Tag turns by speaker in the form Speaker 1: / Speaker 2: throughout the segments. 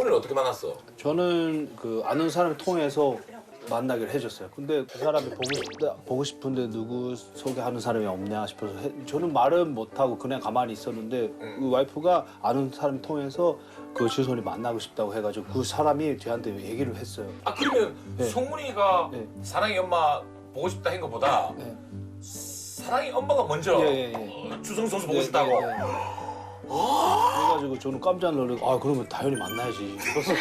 Speaker 1: 승훈이는 어떻게 만났어?
Speaker 2: 저는 그 아는 사람을 통해서 만나기로 해줬어요. 근데 그 사람이 보고 싶은데 누구 소개하는 사람이 없냐 싶어서 저는 말은 못하고 그냥 가만히 있었는데 그 와이프가 아는 사람 통해서 그 주선이 만나고 싶다고 해가지고 그 사람이 저한테 얘기를 했어요.
Speaker 1: 아 그러면
Speaker 2: 네.
Speaker 1: 승훈이가
Speaker 2: 네.
Speaker 1: 사랑이 엄마 보고 싶다 한 것보다
Speaker 2: 네.
Speaker 1: 사랑이 엄마가 먼저 주성 선수 보고 싶다고.
Speaker 2: 그래가지고 저는 깜짝 놀라고 아 그러면 당연히 만나야지.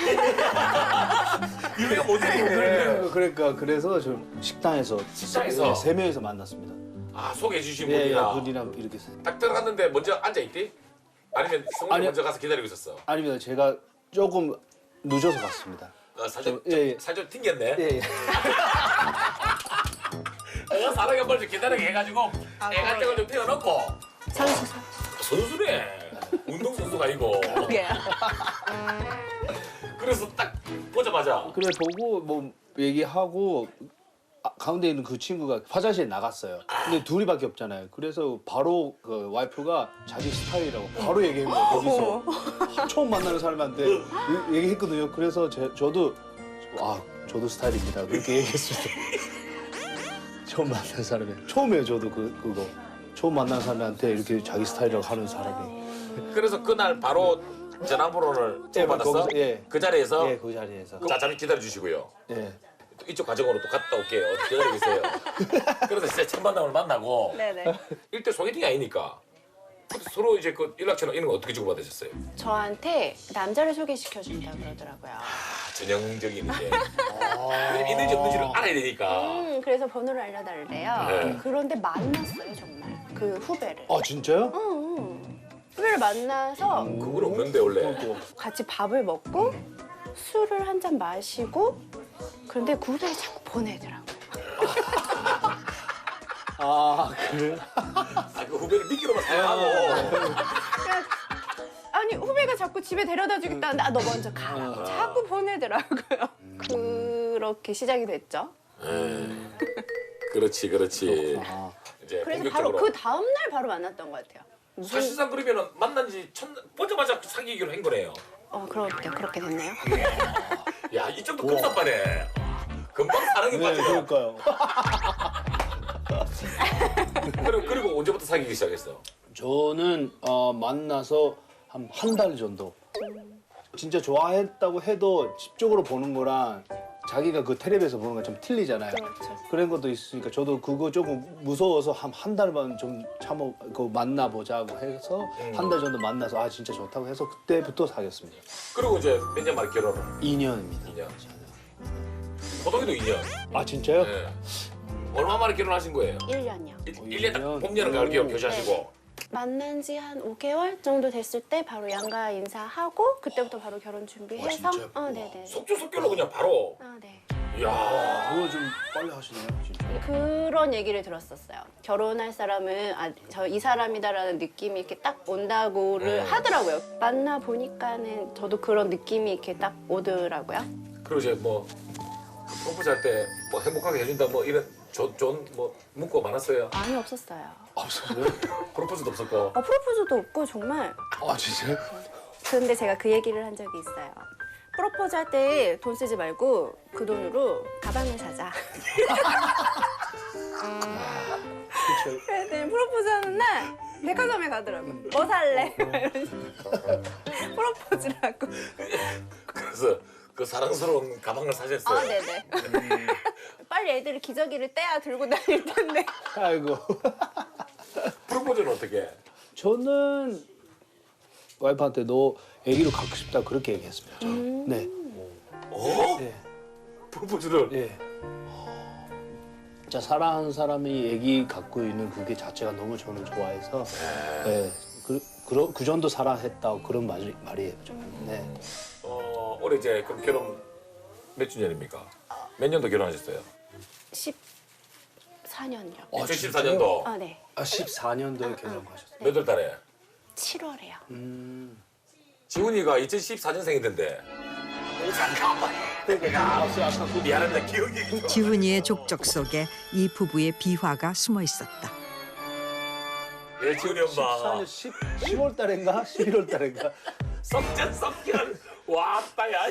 Speaker 1: 이해가 못했네.
Speaker 2: 그러니까 그래서 저 식당에서
Speaker 1: 식당에서?
Speaker 2: 세 명이서 만났습니다.
Speaker 1: 아 소개해 주신
Speaker 2: 예,
Speaker 1: 분이랑
Speaker 2: 분이랑 이렇게
Speaker 1: 딱 들어갔는데 먼저 앉아 있디? 아니면 승훈이
Speaker 2: 아니요.
Speaker 1: 먼저 가서 기다리고 있었어?
Speaker 2: 아닙니다. 제가 조금 늦어서 갔습니다.
Speaker 1: 살좀
Speaker 2: 예.
Speaker 1: 살좀 튕겼네.
Speaker 2: 예.
Speaker 1: 내가 사랑이 엄마를 좀 기다리게 해가지고 애간장을 좀 태워놓고 선수네. 운동선수가 아니고.
Speaker 3: 그게요.
Speaker 1: 그래서 딱 보자마자
Speaker 2: 그래 보고 뭐 얘기하고 가운데 있는 그 친구가 화장실에 나갔어요. 근데 둘이밖에 없잖아요. 그래서 바로 그 와이프가 자기 스타일이라고 바로 얘기한 거예요. 거기서 처음 만나는 사람한테 얘기했거든요. 그래서 저도 저도 스타일입니다. 그렇게 얘기했습니다. 처음 만난 사람이 처음이에요. 저도 그거 처음 만난 사람한테 이렇게 자기 스타일이라고 하는 사람이.
Speaker 1: 그래서 그날 바로 전화번호를
Speaker 2: 예,
Speaker 1: 받았어?
Speaker 2: 거기서, 예.
Speaker 1: 그 자리에서?
Speaker 2: 예, 그 자리에서.
Speaker 1: 자, 잠시 기다려 주시고요.
Speaker 2: 예.
Speaker 1: 이쪽 과정으로 또 갔다 올게요. 기다리고 계세요. 그래서 진짜 첫 만남을 만나고
Speaker 3: 네네.
Speaker 1: 일대 소개팅이 아니니까 서로 이제 그 연락처나 이런 거 어떻게 주고받으셨어요?
Speaker 3: 저한테 남자를 소개시켜준다 그러더라고요.
Speaker 1: 전형적인 이제 왜냐면 있는지 없는지를 알아야 되니까.
Speaker 3: 그래서 번호를 알려달래요.
Speaker 1: 네.
Speaker 3: 그런데 만났어요 정말 그 후배를.
Speaker 2: 아 진짜요?
Speaker 3: 후배를 만나서
Speaker 1: 그건 없는데 원래.
Speaker 3: 같이 밥을 먹고 술을 한 잔 마시고 그런데 그 후배를 자꾸 보내더라고요.
Speaker 2: 아 그래?
Speaker 1: 그 후배를 미끼로만 사용하고.
Speaker 3: 아니 후배가 자꾸 집에 데려다 주겠다는데 너 먼저 가라고 자꾸 보내더라고요. 그렇게 시작이 됐죠.
Speaker 1: 그렇지.
Speaker 2: 아.
Speaker 1: 이제
Speaker 3: 그래서 바로
Speaker 1: 본격적으로.
Speaker 3: 그 다음 날 바로 만났던 것 같아요.
Speaker 1: 사실상 그러면은 만난 지 보자마자 사귀기로 한 거네요.
Speaker 3: 그렇게 됐네요.
Speaker 1: 야, 이쪽도 급사빠네. 금방 사랑에
Speaker 2: 네,
Speaker 1: 빠져.
Speaker 2: 그러니까요.
Speaker 1: 그리고 언제부터 사귀기 시작했어?
Speaker 2: 저는 만나서 한 달 정도. 진짜 좋아했다고 해도 집적으로 보는 거랑 자기가 그 텔레비에서 보는 거 좀 틀리잖아요.
Speaker 3: 그렇죠.
Speaker 2: 그런 것도 있으니까 저도 그거 조금 무서워서 한 달만 좀 참고 만나보자고 해서 한 달 정도 만나서 진짜 좋다고 해서 그때부터 사귀었습니다.
Speaker 1: 그리고 이제 몇 년 만에 결혼을?
Speaker 2: 2년입니다.
Speaker 1: 2년. 호동이도 2년.
Speaker 2: 아 진짜요?
Speaker 1: 네. 얼마 만에 결혼하신 거예요?
Speaker 3: 1년이요.
Speaker 1: 1년 딱 봄, 여름, 가을, 겨울 교시하시고.
Speaker 3: 만난 지 한 5개월 정도 됐을 때 바로 양가 인사하고 그때부터 바로 결혼 준비해서
Speaker 2: 진짜요?
Speaker 3: 네네.
Speaker 1: 속주속결로 그냥 바로.
Speaker 3: 네.
Speaker 1: 이야.
Speaker 2: 그거 좀 빨리 하시네요, 진짜.
Speaker 3: 그런 얘기를 들었었어요. 결혼할 사람은 이 사람이다라는 느낌이 이렇게 딱 온다고를 하더라고요. 만나 보니까는 저도 그런 느낌이 이렇게 딱 오더라고요.
Speaker 1: 그리고 이제 뭐 프로포즈 할 때 뭐 행복하게 해준다 뭐 이런 좋은 뭐 문구가 많았어요.
Speaker 3: 많이 없었어요.
Speaker 2: 없어요?
Speaker 1: 프로포즈도 없었고.
Speaker 3: 프로포즈도 없고 정말.
Speaker 2: 아 진짜요?
Speaker 3: 근데 제가 그 얘기를 한 적이 있어요. 프로포즈 할 때 돈 쓰지 말고 그 돈으로 가방을 사자.
Speaker 2: 그렇죠.
Speaker 3: 그랬더니 프로포즈 하는 날 백화점에 가더라고. 뭐 살래? 이런 식으로. 프로포즈라고.
Speaker 1: 그래서 그 사랑스러운 가방을 사셨어요.
Speaker 3: 네네. 빨리 애들이 기저귀를 떼야 들고 다닐 텐데.
Speaker 2: 아이고.
Speaker 1: 프로포즈는 어떻게 해?
Speaker 2: 저는 와이프한테 너 아기로 갖고 싶다 그렇게 얘기했습니다. 저는. 네.
Speaker 1: 어?
Speaker 2: 네.
Speaker 1: 프로포즈를?
Speaker 2: 예. 진짜 사랑하는 사람이 아기 갖고 있는 그게 자체가 너무 저는 좋아해서 네. 그 정도 사랑했다 그런 말이에요. 저는. 네.
Speaker 1: 올해 이제 그럼 결혼 몇 주년입니까? 몇 년도 결혼하셨어요?
Speaker 3: 14년이요.
Speaker 1: 2014년도
Speaker 3: 네.
Speaker 2: 14년도에 결혼하셨어요.
Speaker 1: 몇 월 달에?
Speaker 3: 7월에요.
Speaker 1: 지훈이가 2014년생이던데. 미안합니다. 기억이 좀.
Speaker 4: 지훈이의 족적 속에 이 부부의 비화가 숨어 있었다.
Speaker 1: 예, 지훈이 엄마.
Speaker 2: 14년 10월 달인가 11월 달인가
Speaker 1: 썩전 썩결. 왔다 야.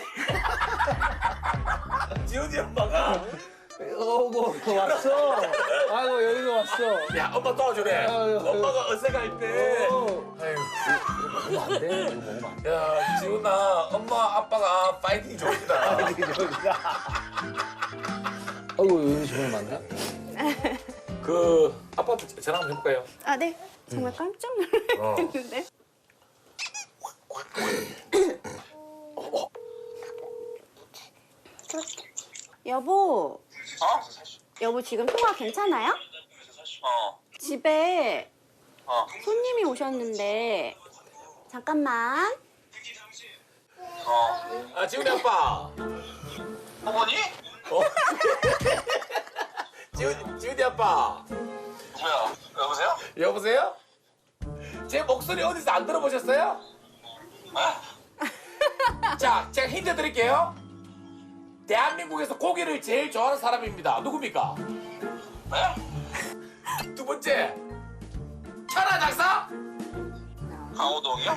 Speaker 1: 지훈이 엄마가
Speaker 2: 어고 왔어. 아이고 여기가 왔어.
Speaker 1: 야 엄마 도와주래.
Speaker 2: 아유,
Speaker 1: 엄마가 어색할 때. 아유.
Speaker 2: 이거 안 돼. 이거 먹으면 안 돼.
Speaker 1: 야 지훈아 엄마 아빠가 파이팅 좋습니다.
Speaker 2: 아이고 여기 저러면 안 돼?
Speaker 1: 그 아빠한테 전화 한번 해볼까요?
Speaker 3: 아, 네. 정말 깜짝 놀랐는데. 여보. 여보 지금 통화 괜찮아요? 집에 손님이 오셨는데 잠깐만.
Speaker 1: 아 지훈이 아빠.
Speaker 5: 어머니?
Speaker 1: 지훈이 아빠.
Speaker 5: 뭐야? 여보세요?
Speaker 1: 여보세요? 제 목소리 어디서 안 들어보셨어요? 자, 제가 힌트 드릴게요. 대한민국에서 고기를 제일 좋아하는 사람입니다. 누굽니까?
Speaker 5: 네?
Speaker 1: 두 번째, 천하 장사?
Speaker 5: 강호동이요?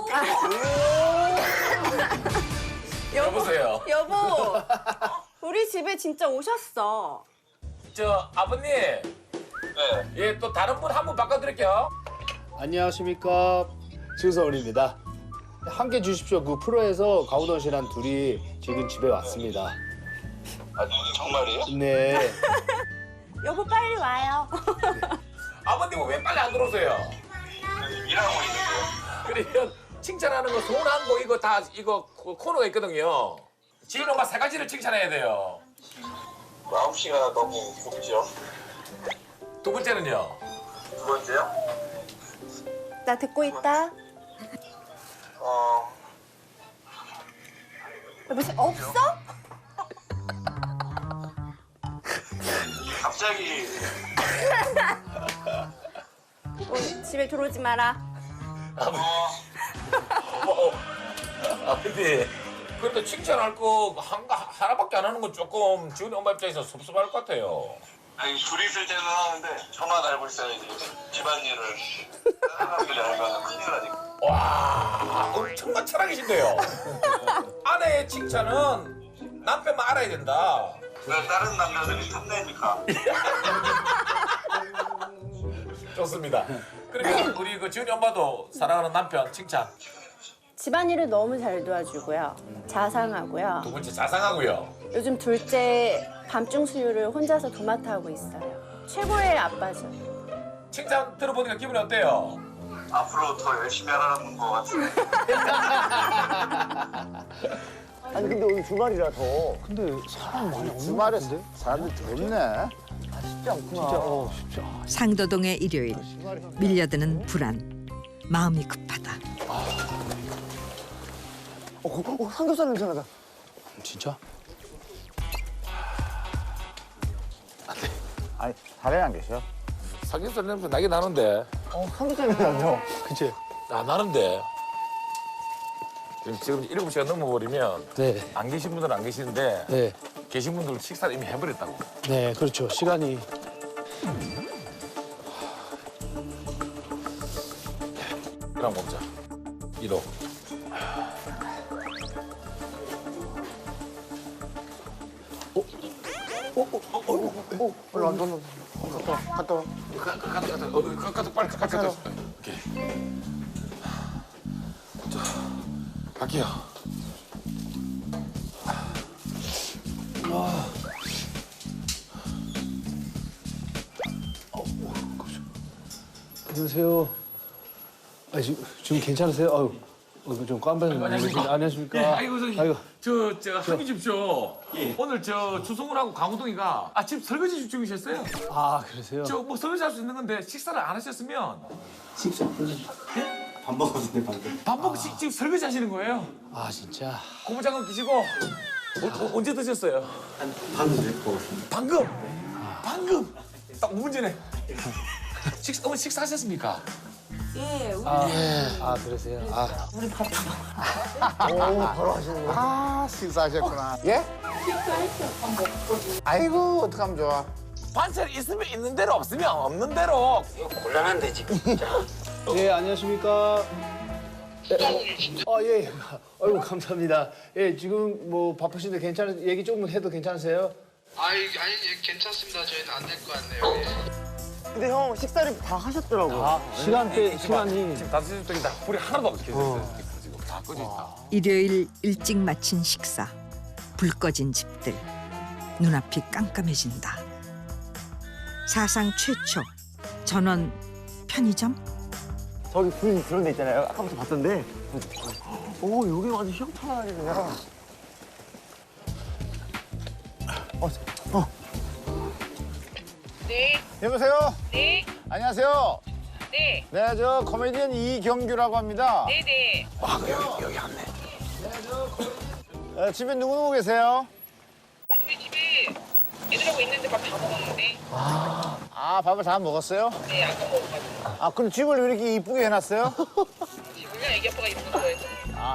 Speaker 1: 여보세요.
Speaker 3: 여보. 우리 집에 진짜 오셨어.
Speaker 1: 저 아버님,
Speaker 5: 네.
Speaker 1: 예, 또 다른 분 한 분 바꿔드릴게요.
Speaker 2: 안녕하십니까 증서원입니다. 함께 주십시오. 그 프로에서 강호동 씨랑 둘이 지금 집에 왔습니다.
Speaker 5: 아, 정말이에요?
Speaker 2: 네.
Speaker 3: 여보 빨리 와요.
Speaker 1: 아버님은 왜 빨리 안 들어오세요?
Speaker 5: 일하고 있는데요.
Speaker 1: 그러면 칭찬하는 거, 소원한 거 이거 다 이거 코너가 있거든요. 지훈 엄마 세 가지를 칭찬해야 돼요.
Speaker 5: 마음씨가 너무 곱죠.
Speaker 1: 두 번째는요.
Speaker 5: 두 번째요?
Speaker 3: 나 듣고 있다. 여보 없어?
Speaker 5: 갑자기
Speaker 3: 집에 들어오지 마라.
Speaker 1: 아버님, 그래도 칭찬할 거 하나밖에 안 하는 건 조금 지훈이 엄마 입장에서 섭섭할 것 같아요.
Speaker 5: 아니 둘이 있을 때는 하는데 저만 알고 있어야지 집안일을 사람들이 알면 큰일 나니까.
Speaker 1: 와, 엄청난 철학이신데요. 아내의 칭찬은 남편만 알아야 된다.
Speaker 5: 왜 다른 남자들이 탐내니까.
Speaker 1: 좋습니다. 그러면 우리 그 지훈이 엄마도 사랑하는 남편 칭찬.
Speaker 3: 집안일을 너무 잘 도와주고요. 자상하고요.
Speaker 1: 두 번째 자상하고요.
Speaker 3: 요즘 둘째 밤중 수유를 혼자서 도맡아 하고 있어요. 최고의 아빠죠.
Speaker 1: 칭찬 들어보니까 기분이 어때요?
Speaker 5: 앞으로 더 열심히 하라는 것 같은데.
Speaker 6: 아니 근데 오늘 주말이라서
Speaker 2: 근데 사람 많이 없는 것
Speaker 6: 주말에
Speaker 2: 같은데?
Speaker 6: 사람들이 더 있네. 쉽지 않구나.
Speaker 2: 진짜 쉽지 않아.
Speaker 4: 상도동의 일요일 밀려드는 불안 마음이 급하다.
Speaker 6: 삼겹살 냄새 나다.
Speaker 2: 진짜?
Speaker 6: 아니 다른 안 계셔?
Speaker 1: 삼겹살 냄새 나긴 나는데.
Speaker 6: 삼겹살 냄새 나죠?
Speaker 2: 그치?
Speaker 1: 아, 나는데. 지금 7시가 넘어버리면
Speaker 2: 네.
Speaker 1: 안 계신 분들은 안 계시는데
Speaker 2: 네.
Speaker 1: 계신 분들은 식사를 이미 해버렸다고.
Speaker 2: 네, 그렇죠. 시간이.
Speaker 1: 그럼 먹자. 1호.
Speaker 6: 올라 갔다 와.
Speaker 1: 갔다 빨리 갔다. 오케이. 자, 갈게요.
Speaker 2: 안녕하세요. 아, 지금 괜찮으세요? 아유, 좀 깜빡이
Speaker 1: 안녕하십니까.
Speaker 2: 안녕하십니까?
Speaker 1: 예, 아이고 저기
Speaker 2: 아이고.
Speaker 1: 저 한기 집쇼. 오늘 저 주승훈하고 강호동이가 아침 설거지 중이셨어요.
Speaker 2: 아, 그러세요?
Speaker 1: 저 뭐 설거지 할 수 있는 건데 식사를 안 하셨으면
Speaker 7: 밥 먹었는데 방금.
Speaker 1: 밥 먹고 지금 설거지 하시는 거예요.
Speaker 2: 아, 진짜.
Speaker 1: 고무장갑 끼시고 언제 드셨어요?
Speaker 7: 한 방금 전에 먹었습니다.
Speaker 1: 방금 딱 5분 전에. 어머니 식사하셨습니까?
Speaker 2: 아, 그러세요? 아,
Speaker 6: 바로 하시는 거야? 아 식사하셨구나. 예? 식사했죠. 아이고 어떡하면 좋아.
Speaker 1: 반찬 있으면 있는 대로 없으면 없는 대로.
Speaker 7: 곤란한데 지금 진짜.
Speaker 2: 네, 안녕하십니까? 예. 아이고 감사합니다. 예, 지금 뭐 바쁘신데 괜찮은 얘기 조금 해도 괜찮으세요?
Speaker 8: 아니 괜찮습니다. 저희는 안 될 것 같네요. 예.
Speaker 9: 근데 형 식사를 다 하셨더라고요.
Speaker 2: 아, 시간이
Speaker 1: 지금 5시 쪽이다. 불이 하나도 없게 켰어요. 지금 다 꺼져 있다.
Speaker 4: 일요일 일찍 마친 식사. 불 꺼진 집들. 눈앞이 깜깜해진다. 사상 최초 전원 편의점?
Speaker 9: 저기 불 그런 데 있잖아요. 아까부터 봤던데. 오 여기 완전 희한하게 그냥.
Speaker 10: 네,
Speaker 6: 여보세요?
Speaker 10: 네,
Speaker 6: 안녕하세요.
Speaker 10: 네,
Speaker 6: 네, 저 코미디언 이경규라고 합니다.
Speaker 10: 네, 네.
Speaker 1: 여기 왔네.
Speaker 6: 집에 누구 계세요?
Speaker 10: 우리 집에 애들하고 있는데 밥 다 먹었는데.
Speaker 6: 아, 밥을 다 먹었어요?
Speaker 10: 네, 아까 먹어가지고.
Speaker 6: 아, 그럼 집을 왜 이렇게 이쁘게 해놨어요?
Speaker 10: 집을요? 애기 아빠가 입는 거 좋아해서.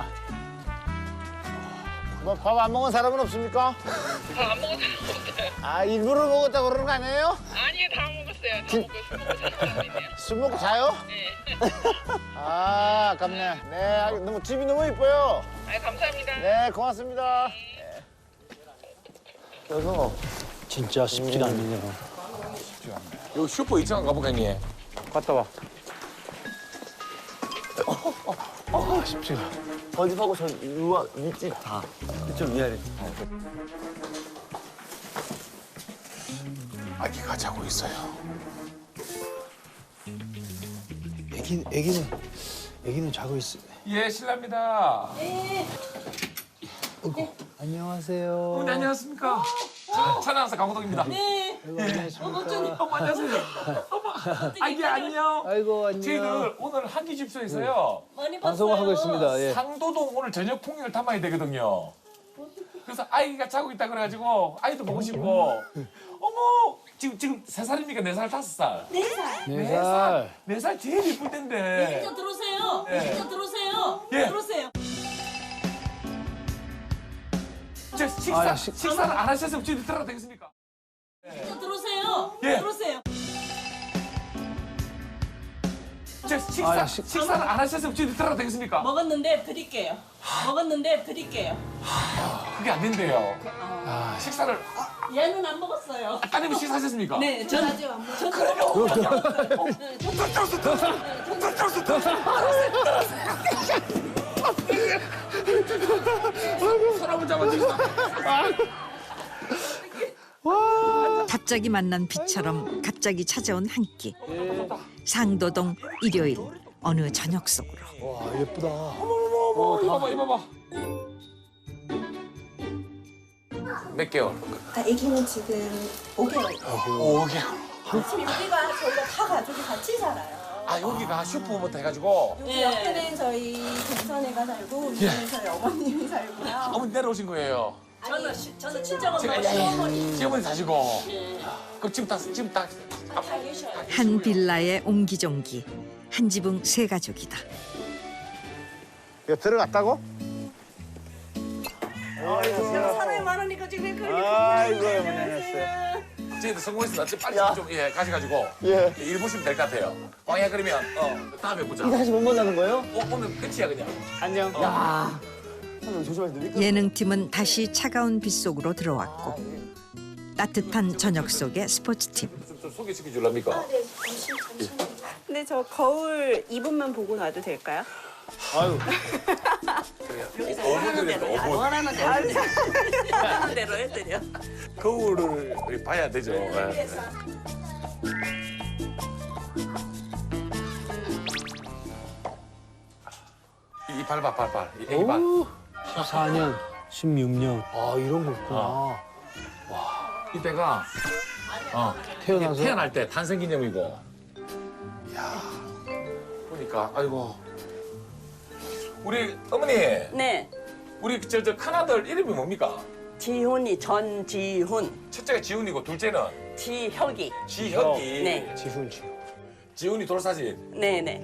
Speaker 6: 뭐 밥 안 먹은 사람은 없습니까?
Speaker 10: 다 안 먹은 사람 없어요.
Speaker 6: 아, 일부러 먹었다고 그러는 거 아니에요?
Speaker 10: 아니요, 다 먹었어요. 다 먹고 술 먹고 자는 사람이네요.
Speaker 6: 술 먹고 자요?
Speaker 10: 네.
Speaker 6: 아, 아깝네. 네, 너무 집이 너무 이뻐요.
Speaker 10: 아, 감사합니다.
Speaker 6: 네, 고맙습니다.
Speaker 9: 그래서
Speaker 2: 진짜 쉽지가 않네요.
Speaker 1: 여기 슈퍼 2층 가볼까 형님?
Speaker 2: 갔다 와.
Speaker 9: 저희 집하고 저 윗집 다. 이쪽 위아래.
Speaker 1: 아기가 자고 있어요.
Speaker 2: 애기는 자고 있어.
Speaker 1: 예, 실례합니다.
Speaker 2: 안녕하세요.
Speaker 1: 어머니 안녕하십니까? 천안사 강호동입니다. 네.
Speaker 2: 안녕하십니까.
Speaker 1: 어머 안녕하세요. 어머 아기 안녕.
Speaker 2: 아이고 안녕.
Speaker 1: 저희들 오늘 한기 집소에서요.
Speaker 2: 방송을 하고 있습니다. 예.
Speaker 1: 상도동 오늘 저녁 풍경을 탐방이 되거든요. 그래서 아이가 자고 있다 그래가지고 아이도 보고 싶고. 어머 지금 3살입니까? 4살, 5살?
Speaker 3: 4살.
Speaker 2: 4살.
Speaker 1: 4살 제일 이쁠 텐데.
Speaker 10: 진짜 들어오세요.
Speaker 1: 네.
Speaker 10: 진짜 들어오세요.
Speaker 1: 예.
Speaker 10: 들어오세요.
Speaker 1: 저 식사를 안 하셨으면 저희 들어가도 되겠습니까?
Speaker 10: 진짜 들어오세요.
Speaker 1: 예.
Speaker 10: 들어오세요.
Speaker 1: 저 식사를 안 하셨으면 저희 들어가도 되겠습니까?
Speaker 10: 먹었는데 드릴게요. 먹었는데 드릴게요.
Speaker 1: 그게 안 된대요. 식사를
Speaker 10: 얘는 안 먹었어요.
Speaker 1: 따님이 식사하셨습니까?
Speaker 10: 네, 전
Speaker 3: 아직 안 먹었어요.
Speaker 1: 사람을 잡아주시다.
Speaker 4: 갑자기 만난 빛처럼 갑자기 찾아온 한 끼. 상도동 일요일 어느 저녁 속으로.
Speaker 2: 와 예쁘다.
Speaker 1: 이봐봐 이봐봐. 몇 개월?
Speaker 11: 아기는 지금 5개월.
Speaker 1: 5개월.
Speaker 11: 지금 여기가 저희가 다 가족이 같이 살아요.
Speaker 1: 아 여기가 슈퍼부터 해가지고
Speaker 11: 여기 옆에는 저희 동선애가 살고 위에는 저희 어머님이 살고요.
Speaker 1: 어머니 내려오신 거예요.
Speaker 10: 저는 친정
Speaker 1: 제가
Speaker 10: 엄마 시어머니.
Speaker 1: 시어머니 사시고. 그럼 지금 딱
Speaker 4: 한 빌라의 옹기종기. 한 지붕 세 가족이다.
Speaker 6: 이거 들어갔다고?
Speaker 11: 사람이 많으니까 지금 그렇게
Speaker 6: 아이고, 어머니 안녕하세요.
Speaker 1: 저희도 성공했습니다. 지금 빨리 좀 가셔가지고
Speaker 6: 예.
Speaker 1: 일 보시면 될 것 같아요. 왕이야 그러면 다음에 보자.
Speaker 9: 다시 못 만나는 거예요?
Speaker 1: 오늘 끝이야 그냥.
Speaker 2: 안녕.
Speaker 9: 형 조심하세요.
Speaker 4: 예능팀은 다시 차가운 빛 속으로 들어왔고 따뜻한 저녁 속의 스포츠팀.
Speaker 1: 좀 소개시켜 줄랍니까?
Speaker 3: 네, 잠시만요. 근데 저 거울 2분만 보고 놔도 될까요?
Speaker 2: 아유.
Speaker 1: 5분 드렸어 5분.
Speaker 10: 원하는 대로 해드려. 원하는 대로 해드려.
Speaker 1: 거울을 봐야 되죠. 예. 이 발. 이 애기 발.
Speaker 2: 14년, 16년. 아 이런 거 있구나.
Speaker 1: 이때가
Speaker 2: 태어나서.
Speaker 1: 태어날 때 탄생기념이고. 야 보니까 아이고 우리 어머니
Speaker 10: 네,
Speaker 1: 우리 저 큰아들 이름이 뭡니까?
Speaker 10: 지훈이 전지훈,
Speaker 1: 첫째가 지훈이고 둘째는
Speaker 10: 지혁이.
Speaker 1: 지혁이.
Speaker 10: 네.
Speaker 2: 지훈.
Speaker 1: 지훈이 돌사진.
Speaker 10: 네네.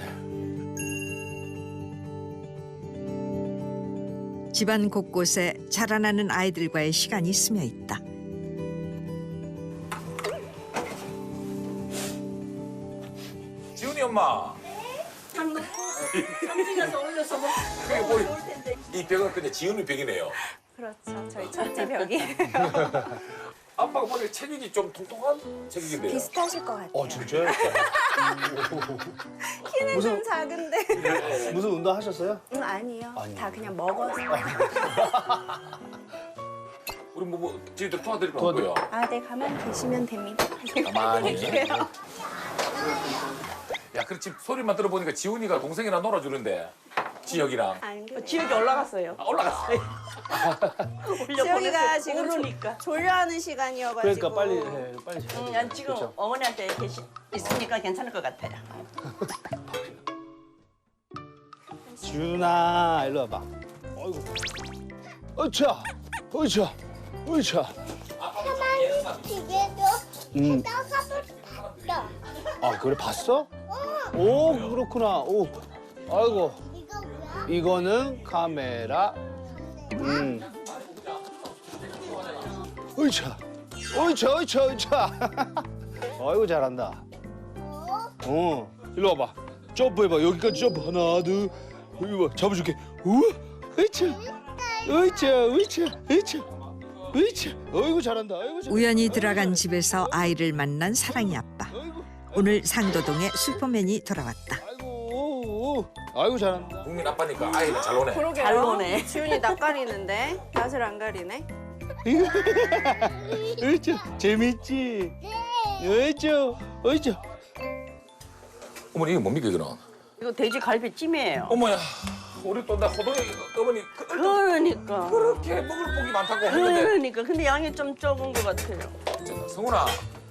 Speaker 4: 집안 곳곳에 자라나는 아이들과의 시간이 스며 있다.
Speaker 1: 지훈이 엄마.
Speaker 10: 장 놓고 삼지가
Speaker 11: 올려서 뭐
Speaker 1: 그게 우리 이 벽은 근데 지은이 벽이네요.
Speaker 3: 그렇죠. 저희 첫째 벽이
Speaker 1: 아빠가 보니까 체격이 좀 통통한 체격인데요.
Speaker 3: 비슷하실 것 같아요.
Speaker 2: 진짜요?
Speaker 3: 키는 좀 작은데.
Speaker 2: 무슨 운동 하셨어요?
Speaker 3: 아니요. 다 그냥 먹어서.
Speaker 1: 우리 뭐 저희들 도와드릴 거 없고요.
Speaker 3: 아, 네, 가만히 계시면 됩니다.
Speaker 1: 가만히. 야, 그렇지 소리만 들어보니까 지훈이가 동생이랑 놀아주는데 지혁이랑.
Speaker 11: 지역이 올라갔어요.
Speaker 1: 올라갔어.
Speaker 3: 지혁이가 지금
Speaker 11: 모르니까.
Speaker 3: 졸려하는 시간이어가지고.
Speaker 2: 그러니까 빨리 빨리 자야 돼.
Speaker 11: 난 지금 어머니한테 있으니까 괜찮을 것 같아요.
Speaker 2: 지훈아 일로 와봐. 어이구. 어차. 어차. 어차. 아 그래 봤어? 오 그렇구나. 오. 아이고. 이거는 카메라. 어이차. 어이차 어이차 어이차. 아이고 잘한다. 일로 와봐. 점프해봐. 여기까지 점프. 하나 둘. 여기 봐. 잡아줄게. 우와. 어이차. 어이차 어이차 어이차. 어이차. 어이구 잘한다. 아이고 잘한다.
Speaker 4: 우연히 들어간 집에서 아이를 만난 사랑이 아빠. 오늘 상도동에 슈퍼맨이 돌아왔다.
Speaker 2: 아이고 잘한다.
Speaker 1: 국민 아빠니까 아이가 잘 노네.
Speaker 3: 그러게요.
Speaker 11: 잘 노네.
Speaker 3: 지훈이 낯 가리는데 낯을 안 가리네.
Speaker 2: 어이차. 재밌지? 어이차. 어이차.
Speaker 1: 어머니 이거 뭡니까 이거는?
Speaker 11: 이거 돼지 갈비찜이에요.
Speaker 1: 어머야, 우리 또 나 호동이 어머니
Speaker 11: 그러니까.
Speaker 1: 그렇게 먹을 복이 많다고 했는데.
Speaker 11: 그러니까. 근데 양이 좀 적은 것 같아요.
Speaker 1: 성훈아,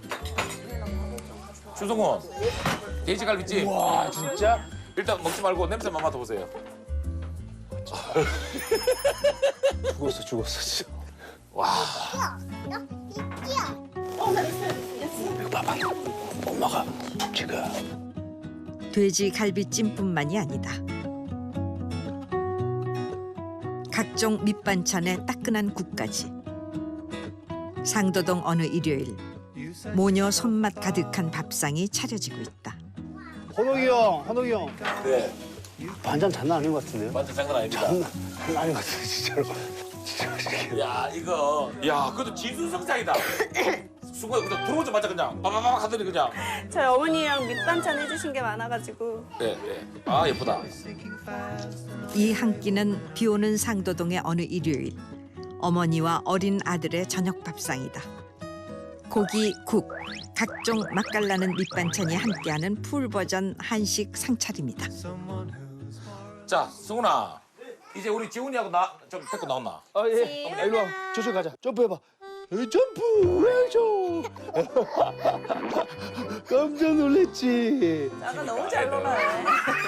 Speaker 1: 주성훈, 돼지갈비찜.
Speaker 2: 와 진짜?
Speaker 1: 일단 먹지 말고 냄새만 맡아보세요.
Speaker 2: 죽었어 진짜.
Speaker 1: 와.
Speaker 2: 이거 봐봐. 엄마가 지금.
Speaker 4: 돼지 갈비찜뿐만이 아니다. 각종 밑반찬에 따끈한 국까지. 상도동 어느 일요일 모녀 손맛 가득한 밥상이 차려지고 있다.
Speaker 2: 헌옥이 형.
Speaker 1: 네.
Speaker 2: 반찬 장난 아닌 것 같은데요?
Speaker 1: 완전 장난 아닙니다.
Speaker 2: 장난 아닌 것 같아요 진짜로. 진짜.
Speaker 1: 야 이거, 야 그것도 지수성장이다. 수고해, 그냥 들어오자마자 그냥 빠바박 하더니 그냥.
Speaker 3: 저희 어머니랑 밑반찬 해주신 게 많아가지고.
Speaker 1: 네, 네. 아 예쁘다.
Speaker 4: 이 한 끼는 비오는 상도동의 어느 일요일 어머니와 어린 아들의 저녁 밥상이다. 고기, 국, 각종 맛깔나는 밑반찬이 함께하는 풀버전 한식 상차림이다.
Speaker 1: 자, 승훈아, 이제 우리 지훈이하고 나 좀 데리고 나왔나?
Speaker 2: 아 예. 일로 와. 저쪽 가자. 점프해봐. 점프. 깜짝 놀랐지.
Speaker 11: 아가 너무 잘 놀아요.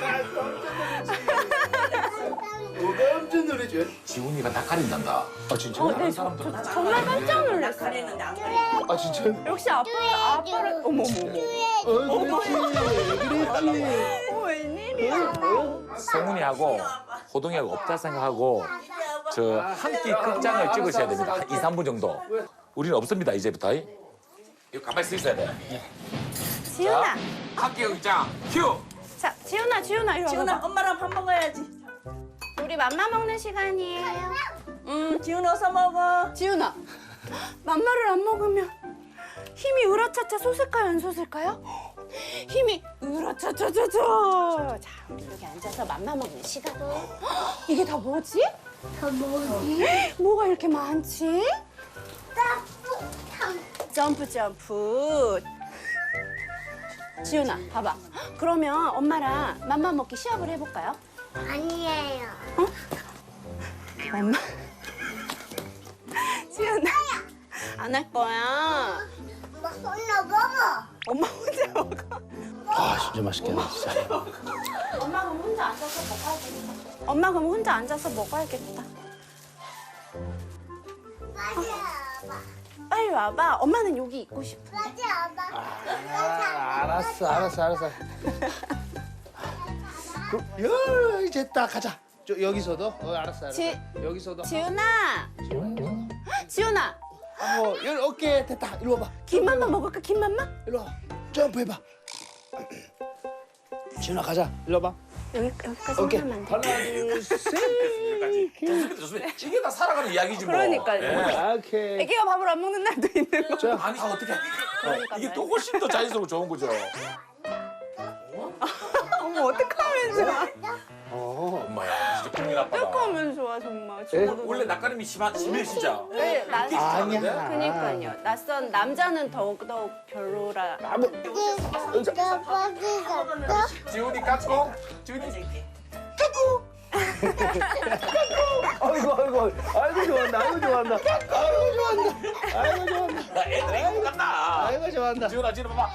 Speaker 2: 깜짝 놀랐지.
Speaker 1: 지훈이가 다 가린단다.
Speaker 2: 아 진짜요?
Speaker 1: 다른 사람들은
Speaker 3: 정말 깜짝 놀랐어요.
Speaker 11: 가리는데 안 가리.
Speaker 2: 아 진짜요?
Speaker 3: 역시 아빠를 어머머.
Speaker 2: 그랬지.
Speaker 3: 웬일이야.
Speaker 1: 성훈이하고 호동이하고 없다 생각하고 저 한 끼 극장을 찍으셔야 됩니다. 2, 3분 정도. 우리는 없습니다 이제부터. 이거 가만히 서 있어야 돼.
Speaker 3: 지훈아.
Speaker 1: 한 끼 극장 큐.
Speaker 3: 자, 지훈아 이리 와봐.
Speaker 11: 지훈아 엄마랑 밥 먹어야지.
Speaker 3: 우리 맘마 먹는 시간이에요.
Speaker 11: 지훈 어서 먹어.
Speaker 3: 지훈아, 맘마를 안 먹으면 힘이 으라차차 솟을까요, 안 솟을까요? 힘이 으라차차차차. 자, 우리 여기 앉아서 맘마 먹는 시간. 이게 다 뭐지? 뭐가 이렇게 많지? 점프 점프. 지훈아, 봐봐. 그러면 엄마랑 맘마 먹기 시합을 해볼까요?
Speaker 12: 아니에요.
Speaker 3: 엄마. 지훈아, 안 할 거야.
Speaker 12: 혼자 먹어.
Speaker 3: 엄마 혼자 먹어.
Speaker 2: 아 진짜 맛있겠네 진짜.
Speaker 3: 엄마 그럼 혼자 앉아서 먹어야겠다. 엄마 그럼 혼자 앉아서 먹어야겠다.
Speaker 12: 빨리 와봐.
Speaker 3: 빨리 와봐. 엄마는 여기 있고 싶어.
Speaker 12: 빨리 와봐.
Speaker 2: 알았어. 이제 딱 가자. 여기서도? 알았어. 여기서도.
Speaker 3: 지훈아. 지훈아.
Speaker 2: 여기 어깨 됐다. 이리 와봐.
Speaker 3: 김맘마 먹을까? 김맘마?
Speaker 2: 이리 와. 점프해봐. 지훈아 가자. 이리 와봐.
Speaker 3: 여기까지
Speaker 2: 오케이.
Speaker 3: 하면 안
Speaker 2: 하나,
Speaker 3: 돼요?
Speaker 2: 둘, 셋.
Speaker 1: 좋습니다, 좋습니다. 이게 다 살아가는 이야기지 뭐.
Speaker 3: 그러니까요.
Speaker 1: 예.
Speaker 2: 오케이.
Speaker 3: 애기가 밥을 안 먹는 날도 있는 거.
Speaker 2: 자,
Speaker 1: 아니 어떻게? 이게 또 훨씬 더 자연스럽고 좋은 거죠.
Speaker 3: 어머 어떡하면 좋아.
Speaker 1: 엄마야, 진짜 국민 아빠다.
Speaker 3: 어떡하면 좋아 정말.
Speaker 1: 원래 낯가림이 심해 진짜.
Speaker 3: 네,
Speaker 2: 아니야.
Speaker 3: 그니까요. 낯선 남자는 더욱더욱 별로라.
Speaker 1: 지훈이 까꿍. 지훈이.
Speaker 2: 아이고 좋아한다. 아이고 좋아한다.
Speaker 1: 애들이 이거 같나?
Speaker 2: 아이고 좋아한다.
Speaker 1: 지훈아, 지훈아 봐봐.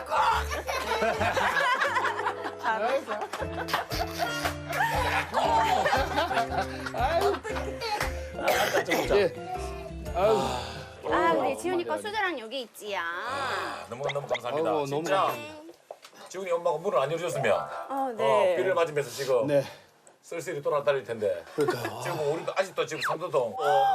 Speaker 2: 예. 아이고.
Speaker 3: 아 우리 지훈이 거 수저랑 여기 있지야.
Speaker 1: 너무 감사합니다.
Speaker 2: 아이고, 너무
Speaker 1: 진짜
Speaker 2: 감사합니다.
Speaker 1: 지훈이 엄마가 문을 안 열어줬으면
Speaker 3: 네.
Speaker 1: 비를 맞으면서 지금
Speaker 2: 네.
Speaker 1: 쓸쓸히 돌아다닐 텐데.
Speaker 2: 그러니까요.
Speaker 1: 지금 우리도 아직도 지금 삼도동.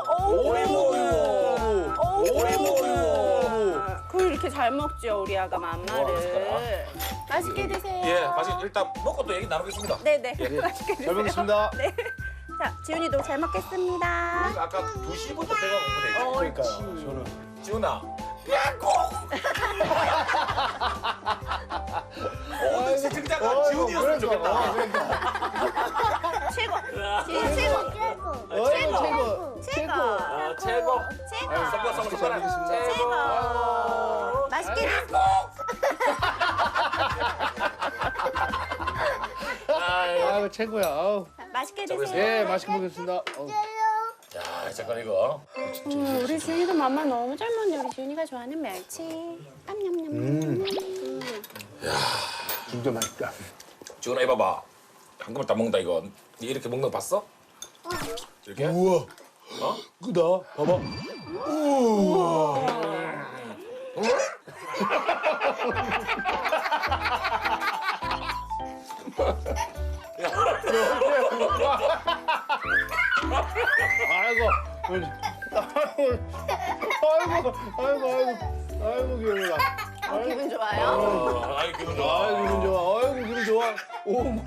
Speaker 3: 그걸 이렇게 잘 먹죠 우리 아가 맘마를. 맛있게 드세요.
Speaker 1: 예, 맛있게 일단 먹고 또 얘기 나누겠습니다.
Speaker 3: 네네. 맛있게 드세요.
Speaker 2: 잘 먹겠습니다.
Speaker 3: 네. 자 지훈이도 잘 먹겠습니다.
Speaker 1: 우리가 아까 2시부터 배가 고프네.
Speaker 2: 그러니까요. 저는
Speaker 1: 지훈아. 모든 시청자가 지훈이었으면 좋겠다.
Speaker 3: 최고. 지훈 최고. 최고.
Speaker 1: 최고. 선물
Speaker 2: 잘 먹겠습니다.
Speaker 3: 최고. 맛있게 드세요.
Speaker 2: 아이고 최고야. 아우.
Speaker 3: 맛있게 드세요.
Speaker 2: 예, 맛있게 먹겠습니다.
Speaker 1: 야, 잠깐 이거.
Speaker 3: 우리 지훈이도 맘마 너무 잘 먹네. 우리 지훈이가 좋아하는 멸치. 냠냠냠.
Speaker 2: 진짜 맛있다.
Speaker 1: 지훈아 해봐봐. 한꺼번에 다 먹는다 이거. 니 이렇게 먹는 거 봤어? 이렇게?
Speaker 2: 우와.
Speaker 1: 어?
Speaker 2: 크다. 봐봐. 우와. 아이고. 아이고 귀여워라.
Speaker 3: 기분 좋아요?
Speaker 1: 아이 기분 좋아.
Speaker 2: 아이고 기분 좋아. 아이고 기분 좋아. 오모.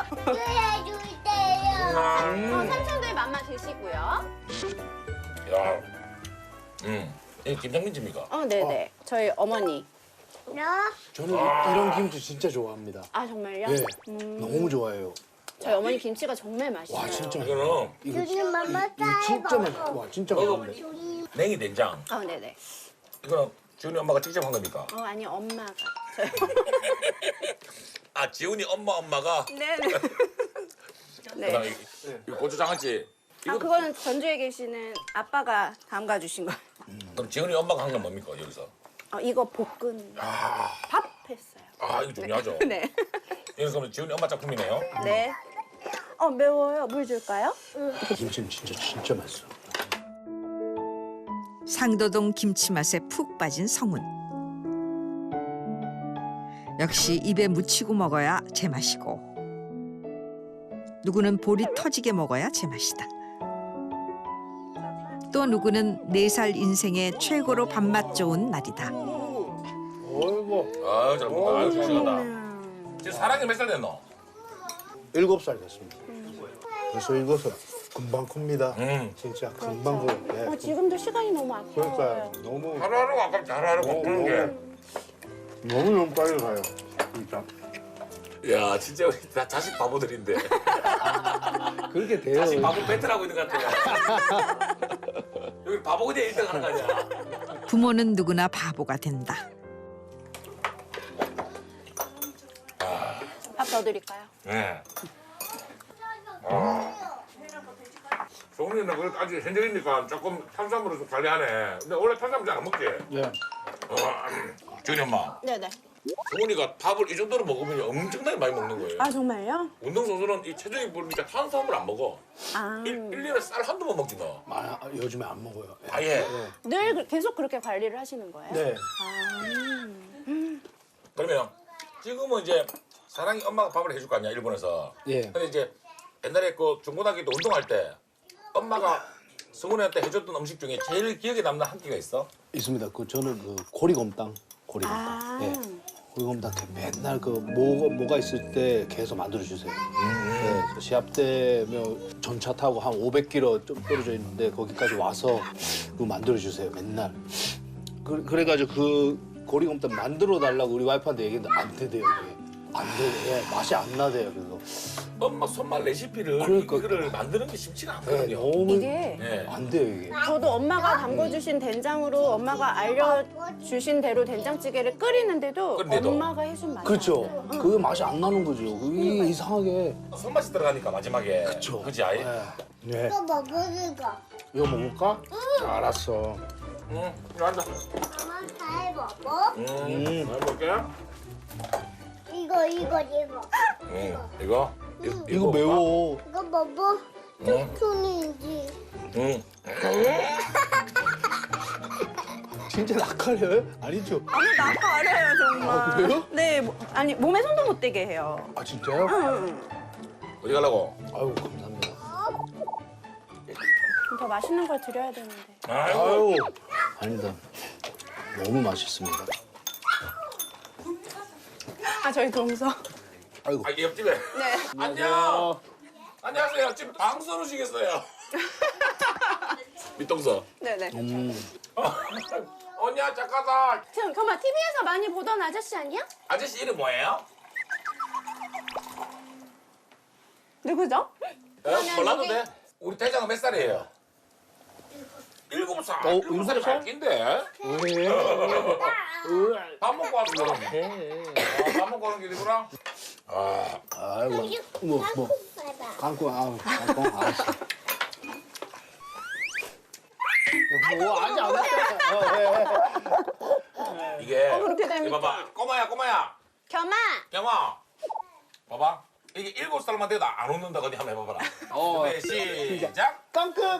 Speaker 3: 삼촌들 맘마 드시고요.
Speaker 1: 야, 이게 김장민 집입니까?
Speaker 3: 네네. 저희 어머니.
Speaker 2: 저는 이런 김치 진짜 좋아합니다.
Speaker 3: 아 정말요?
Speaker 2: 네. 너무 좋아해요.
Speaker 3: 저희 어머니 김치가 정말 맛있어요.
Speaker 2: 와 진짜.
Speaker 1: 이거는
Speaker 2: 이거 진짜 맛있어. 와 진짜 맛있는데.
Speaker 1: 냉이 된장.
Speaker 3: 네네.
Speaker 1: 이거는 지훈이 엄마가 직접 한 겁니까?
Speaker 3: 아니 엄마가.
Speaker 1: 아, 지훈이 엄마가.
Speaker 3: 네네.
Speaker 1: 그다음에 이 고추장아찌. 이거
Speaker 3: 그거는 전주에 계시는 아빠가 담가 주신 거예요.
Speaker 1: 그럼 지훈이 엄마가 한 건 뭡니까 여기서?
Speaker 3: 이거 볶은 밥 했어요.
Speaker 1: 아, 이거 중요하죠.
Speaker 3: 네.
Speaker 1: 이거 그러면 지훈이 엄마 작품이네요.
Speaker 3: 네. 매워요. 물 줄까요?
Speaker 2: 김치는 진짜 맛있어.
Speaker 4: 상도동 김치 맛에 푹 빠진 성훈. 역시 입에 묻히고 먹어야 제맛이고 누구는 볼이 터지게 먹어야 제맛이다. 또 누구는 4살 인생의 최고로 밥맛 좋은 날이다.
Speaker 2: 어이구.
Speaker 1: 아유, 잘 먹다. 아유, 싱싱하다. 지금 사랑이 몇 살 됐노?
Speaker 2: 7살 됐습니다. 벌써 이것은 금방 큽니다. 진짜 금방 커요. 네.
Speaker 3: 지금도 시간이 너무 아까워요.
Speaker 2: 그러니까 너무
Speaker 1: 하루하루가 아깝지, 하루하루가 푸는 게.
Speaker 2: 너무 빨리 가요. 진짜.
Speaker 1: 야, 진짜 우리 다 자식 바보들인데.
Speaker 2: 그렇게 돼요.
Speaker 1: 자식 바보 배틀하고 있는 것 같아요. 여기 바보 그냥 1등 하는 거 아니야?
Speaker 4: 부모는 누구나 바보가 된다.
Speaker 3: 밥 더 드릴까요?
Speaker 1: 네. 소은이는 그래도 아직 현정이니까 조금 탄수화물을 좀 관리하네. 근데 원래 탄수화물 잘 안 먹지?
Speaker 2: 네.
Speaker 1: 지훈이 엄마.
Speaker 3: 네네.
Speaker 1: 소은이가 밥을 이 정도로 먹으면 엄청나게 많이 먹는 거예요.
Speaker 3: 정말요?
Speaker 1: 운동선수는 이 체중이 부르니까 탄수화물 안 먹어. 1년에 쌀 한두 번 먹지 너.
Speaker 2: 요즘에 안 먹어요.
Speaker 1: 아예.
Speaker 3: 늘 계속 그렇게 관리를 하시는 거예요?
Speaker 2: 네.
Speaker 1: 그러면 지금은 이제 사랑이 엄마가 밥을 해줄 거 아니야 일본에서.
Speaker 2: 예.
Speaker 1: 근데 이제 옛날에 그 중고등학교 때 운동할 때 엄마가 승훈이한테 해줬던 음식 중에 제일 기억에 남는 한 끼가 있어?
Speaker 2: 있습니다. 저는 고리곰탕. 고리곰탕. 예. 고리곰탕 맨날 그 뭐가 있을 때 계속 만들어 주세요. 네, 시합 때면 전차 타고 한 500km 좀 떨어져 있는데 거기까지 와서 그거 만들어 주세요. 맨날. 그래가지고 그 고리곰탕 만들어 달라고 우리 와이프한테 얘기했는데 안 되대요. 그게. 안 돼. 예, 맛이 안 나대요. 그래서.
Speaker 1: 엄마 손맛 레시피를
Speaker 2: 그러니까.
Speaker 1: 이거를 만드는 게 쉽지가
Speaker 2: 네,
Speaker 1: 않거든요.
Speaker 2: 너무
Speaker 3: 이게
Speaker 1: 네.
Speaker 2: 안 돼요 이게.
Speaker 3: 저도 엄마가 담궈주신 된장으로 엄마가 알려주신 대로 된장찌개를 끓이는데도
Speaker 1: 끓는데도.
Speaker 3: 엄마가 해준 맛이
Speaker 2: 그렇죠.
Speaker 3: 안 나요.
Speaker 2: 그게 맛이 안 나는 거죠. 그게 이상하게.
Speaker 1: 손맛이 들어가니까 마지막에.
Speaker 2: 그쵸.
Speaker 1: 그지 아이?
Speaker 2: 네.
Speaker 12: 이거 먹으니까.
Speaker 2: 이거 먹을까? 알았어.
Speaker 1: 응. 이거 앉아.
Speaker 12: 엄마 잘 먹어.
Speaker 1: 잘 먹게.
Speaker 12: 이거.
Speaker 1: 이거?
Speaker 2: 이거 매워.
Speaker 12: 이거 먹어. 툭툭인지.
Speaker 1: 응.
Speaker 2: 진짜 낯가려요? 아니죠?
Speaker 3: 아니 나 가려요 정말.
Speaker 2: 아, 그래요?
Speaker 3: 네, 아니 몸에 손도 못 대게 해요.
Speaker 2: 아 진짜요?
Speaker 1: 어디 가려고?
Speaker 2: 아유 감사합니다.
Speaker 3: 더 맛있는 걸 드려야 되는데.
Speaker 2: 아유 아니다. 너무 맛있습니다.
Speaker 3: 아 저희 동서.
Speaker 2: 아이고.
Speaker 1: 아, 이게 옆집에.
Speaker 3: 네.
Speaker 1: 안녕. 안녕하세요. 지금 방송 오시겠어요? 밑동서.
Speaker 3: 네네.
Speaker 1: 언니야 작가다.
Speaker 3: 지금 정말 TV에서 많이 보던 아저씨 아니야?
Speaker 1: 아저씨 이름 뭐예요?
Speaker 3: 누구죠?
Speaker 1: 몰라도 돼. 우리 대장은 몇 살이에요? 7살. 7살이 밝긴데. 밥 먹고 왔어. 밥 먹고 오는 길이구나.
Speaker 2: 아이고. 뭐. 깡꿍 알았어. 뭐 아직 안 왔잖아.
Speaker 1: 이게
Speaker 3: 그렇게 됩니까?
Speaker 1: 이거 봐봐. 꼬마야.
Speaker 3: 겸아.
Speaker 1: 경아. 봐봐. 이게 7살만 돼도 안 웃는다. 어디 한번 해봐봐라. 네, 시작.
Speaker 2: 깡꿍.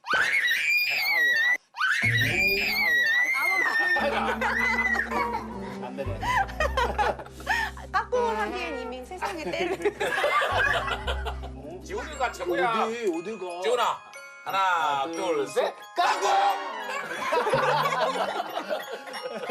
Speaker 2: 안 되네.
Speaker 3: 까꿍을 하기엔 이미 세상에 때를.
Speaker 1: 지훈이가 최고야.
Speaker 2: 어디가?
Speaker 1: 지훈아. 하나, 둘, 셋. 까꿍!